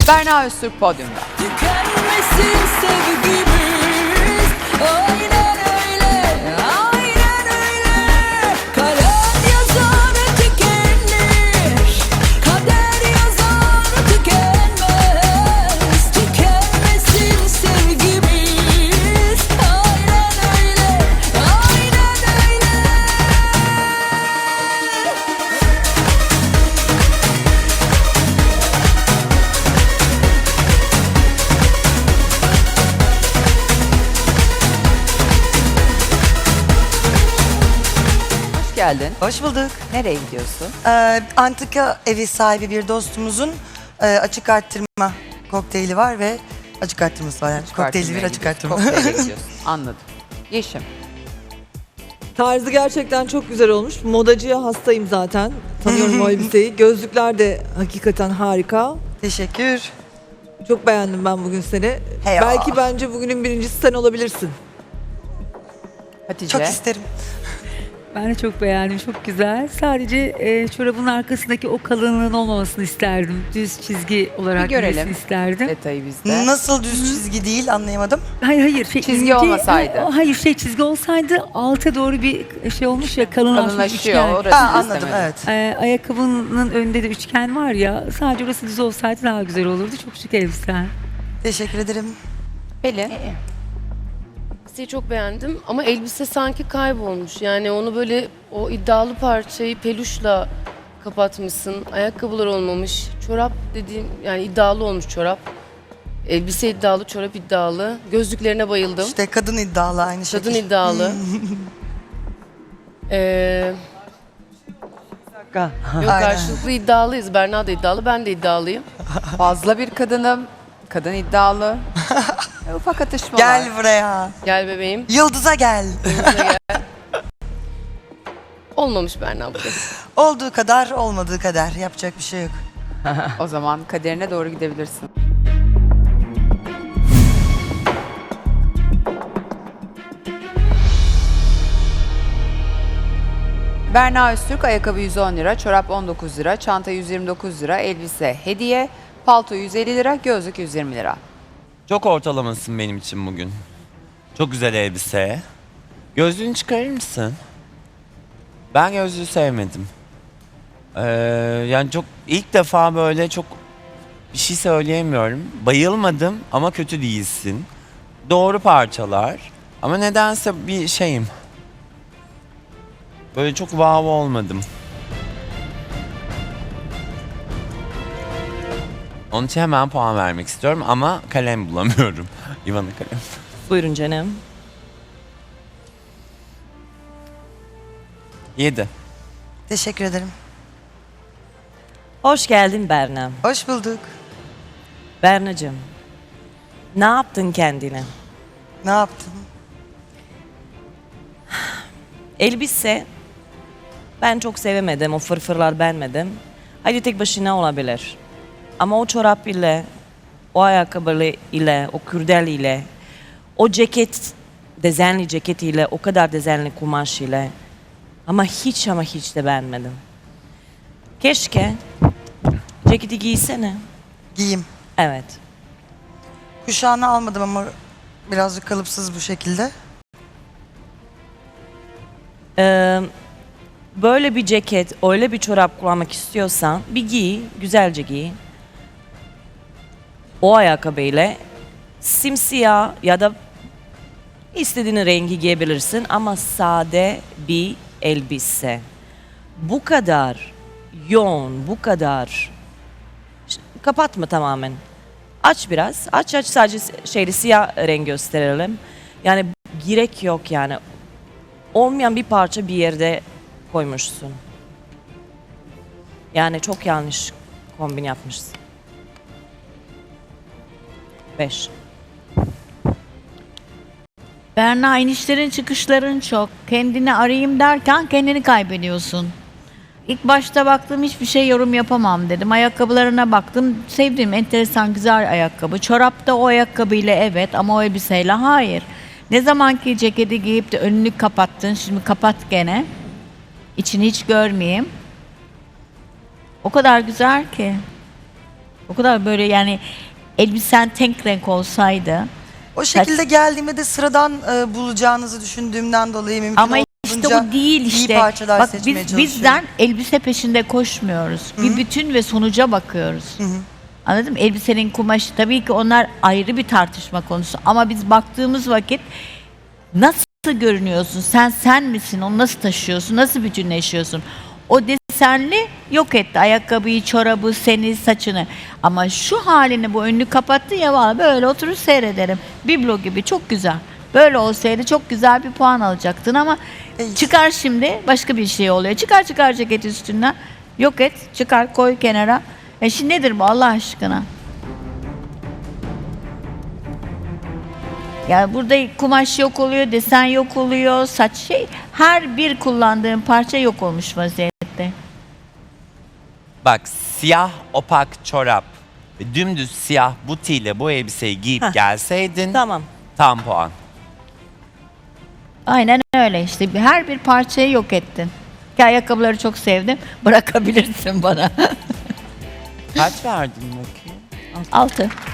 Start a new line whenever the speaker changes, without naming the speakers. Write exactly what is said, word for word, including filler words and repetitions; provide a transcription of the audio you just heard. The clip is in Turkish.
Berna Öztürk podyumda.
Tükenmesin sevgimiz, aynen öyle, aynen öyle. Kalem yazar tükenir, kader yazar tükenmez. Tükenmesin sevgimiz, aynen öyle, aynen öyle.
Hoş geldin.
Hoş bulduk.
Nereye gidiyorsun?
Ee, antika evi sahibi bir dostumuzun e, açık arttırma kokteyli var ve açık arttırması var. Yani. Kokteyli bir açık arttırma.
Kokteyle gidiyorsun. Anladım. Yeşim.
Tarzı gerçekten çok güzel olmuş. Modacıya hastayım zaten. Tanıyorum o elbiseyi. Gözlükler de hakikaten harika.
Teşekkür.
Çok beğendim ben bugün seni.
Hey ya.
Belki bence bugünün birincisi sen olabilirsin.
Hatice.
Çok isterim.
Ben de çok beğendim, çok güzel. Sadece e, çorabın arkasındaki o kalınlığın olmamasını isterdim. Düz çizgi olarak
Bir görelim.
gitmesini isterdim.
Detayı bizde.
Nasıl düz çizgi değil anlayamadım.
Hayır hayır. Şey,
Çizgi
ince-
olmasaydı.
Ha- Hayır şey çizgi olsaydı alta doğru bir şey olmuş ya kalınlaşmış
Kalınlaşıyor.
üçgen.
Orası
Ha, anladım
istemedim.
evet.
E, ayakkabının önünde de üçgen var ya sadece orası düz olsaydı daha güzel olurdu. Çok şık elbisen.
Teşekkür ederim.
Pelin.
Elbiseyi çok beğendim ama elbise sanki kaybolmuş. Yani onu böyle o iddialı parçayı peluşla kapatmışsın. Ayakkabılar olmamış. Çorap dediğim yani iddialı olmuş çorap. Elbise iddialı, çorap iddialı. Gözlüklerine bayıldım.
İşte kadın iddialı aynı şekilde.
Kadın iddialı. ee, yok
Aynen.
karşılıklı iddialıyız. Berna da iddialı, ben de iddialıyım.
Fazla bir kadınım. Kadın iddialı. E, Ufak atışmalar.
Gel buraya.
Gel bebeğim.
Yıldız'a gel.
Olmamış Berna bugün.
Olduğu kadar olmadığı kadar. Yapacak bir şey yok.
O zaman kaderine doğru gidebilirsin. Berna Öztürk ayakkabı yüz on lira, çorap on dokuz lira, çanta yüz yirmi dokuz lira, elbise hediye, palto yüz elli lira, gözlük yüz yirmi lira.
Çok ortalamasın benim için bugün. Çok güzel elbise. Gözlüğünü çıkarır mısın? Ben gözlüğü sevmedim. Ee, yani çok ilk defa böyle çok bir şey söyleyemiyorum. Bayılmadım ama kötü değilsin. Doğru parçalar. Ama nedense bir şeyim. Böyle çok wow olmadım. Onun için hemen puan vermek istiyorum ama kalem bulamıyorum. İvan'ın kalem.
Buyurun canım.
Yedi.
Teşekkür ederim.
Hoş geldin Berna.
Hoş bulduk.
Bernacığım, ne yaptın kendine?
Ne yaptın?
Elbise, ben çok sevemedim, o fırfırlar beğenmedim. Hadi tek başına olabilir. Ama o çorap ile, o ayakkabı ile, o kürdel ile, o ceket, dezenli ceket ile, o kadar dezenli kumaş ile. Ama hiç ama hiç de beğenmedim. Keşke ceketi giysene.
Giyeyim.
Evet.
Kuşağını almadım ama birazcık kalıpsız bu şekilde.
Ee, böyle bir ceket, öyle bir çorap kullanmak istiyorsan bir giy, güzelce giy. O ayakkabıyla simsiyah ya da istediğin rengi giyebilirsin ama sade bir elbise. Bu kadar yoğun, bu kadar Ş- kapatma tamamen. Aç biraz, aç aç sadece şeyli siyah renk gösterelim. Yani gerek yok yani. Olmayan bir parça bir yerde koymuşsun. Yani çok yanlış kombin yapmışsın. Beş.
Berna inişlerin çıkışların çok. Kendini arayayım derken kendini kaybediyorsun. İlk başta baktım hiçbir şey yorum yapamam dedim. Ayakkabılarına baktım. Sevdiğim enteresan güzel ayakkabı. Çorap da o ayakkabıyla evet ama o elbiseyle hayır. Ne zamanki ceketi giyip de önünü kapattın. Şimdi kapat gene. İçini hiç görmeyeyim. O kadar güzel ki. O kadar böyle yani elbisen tek renk olsaydı.
O şekilde geldiğimde de sıradan e, bulacağınızı düşündüğümden dolayı mümkün
Ama işte
olduğunca
bu değil işte.
iyi parçalar
Bak
seçmeye
biz
çalışıyorum.
bizden elbise peşinde koşmuyoruz. Bir bütün ve sonuca bakıyoruz. Anladın mı? Elbisenin kumaşı tabii ki onlar ayrı bir tartışma konusu ama biz baktığımız vakit nasıl görünüyorsun? Sen sen misin? Onu nasıl taşıyorsun? Nasıl bütünleşiyorsun? O desenli yok etti. Ayakkabıyı, çorabı, seni, saçını. Ama şu halini bu önünü kapattı ya vallahi böyle oturur seyrederim. Biblo gibi çok güzel. Böyle olsaydı çok güzel bir puan alacaktın ama
E,
çıkar şimdi başka bir şey oluyor. Çıkar çıkar ceket üstünden. Yok et, çıkar koy kenara. E şimdi nedir bu Allah aşkına? Yani burada kumaş yok oluyor, desen yok oluyor, saç şey. Her bir kullandığım parça yok olmuş vaziyette.
Bak siyah opak çorap ve dümdüz siyah butiyle bu elbiseyi giyip
Heh.
gelseydin
Tamam.
tam puan.
Aynen öyle işte. Her bir parçayı yok ettin. Ki ayakkabıları çok sevdim. Bırakabilirsin bana.
Kaç verdin bakayım?
Altı.